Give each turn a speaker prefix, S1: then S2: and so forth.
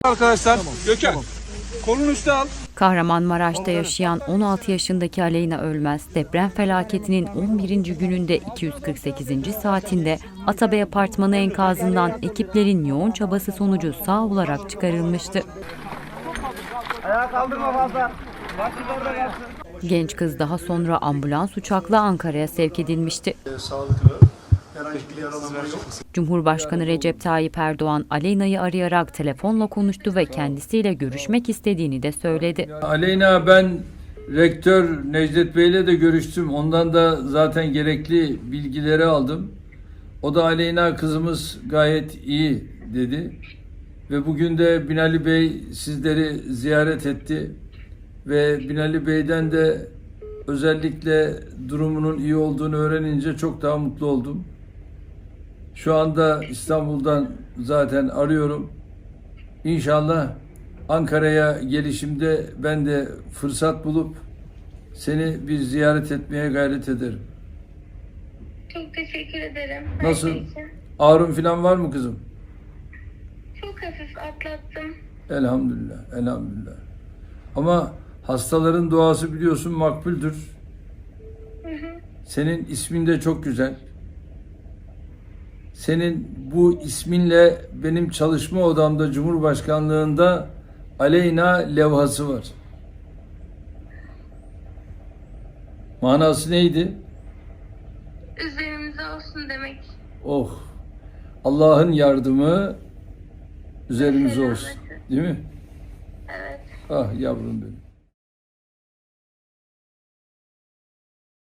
S1: Arkadaşlar Gökhan kolunu üste al.
S2: Kahramanmaraş'ta yaşayan 16 yaşındaki Aleyna Ölmez, deprem felaketinin 11. gününde 248. saatinde Atabey Apartmanı enkazından ekiplerin yoğun çabası sonucu sağ olarak çıkarılmıştı.
S3: Ayağa kaldırma fazla.
S2: Genç kız daha sonra ambulans uçakla Ankara'ya sevk edilmişti.
S4: Sağlıklı, herhangi bir yaralanma yok.
S2: Cumhurbaşkanı Recep Tayyip Erdoğan, Aleyna'yı arayarak telefonla konuştu ve kendisiyle görüşmek istediğini de söyledi.
S5: Aleyna, ben rektör Necdet Bey'le de görüştüm. Ondan da zaten gerekli bilgileri aldım. O da Aleyna kızımız gayet iyi dedi. Ve bugün de Binali Bey sizleri ziyaret etti. Ve Binali Bey'den de özellikle durumunun iyi olduğunu öğrenince çok daha mutlu oldum. Şu anda İstanbul'dan zaten arıyorum. İnşallah Ankara'ya gelişimde ben de fırsat bulup seni bir ziyaret etmeye gayret ederim.
S6: Çok teşekkür ederim.
S5: Nasıl?
S6: Her şey için.
S5: Ağrın falan var mı kızım?
S6: Çok hafif atlattım.
S5: Elhamdülillah, elhamdülillah. Ama hastaların duası biliyorsun makbuldür. Senin ismin de çok güzel. Senin bu isminle benim çalışma odamda Cumhurbaşkanlığında Aleyna levhası var. Manası neydi?
S6: Üzerimize olsun demek.
S5: Oh! Allah'ın yardımı üzerimize olsun. Değil mi?
S6: Evet.
S5: Ah yavrum benim.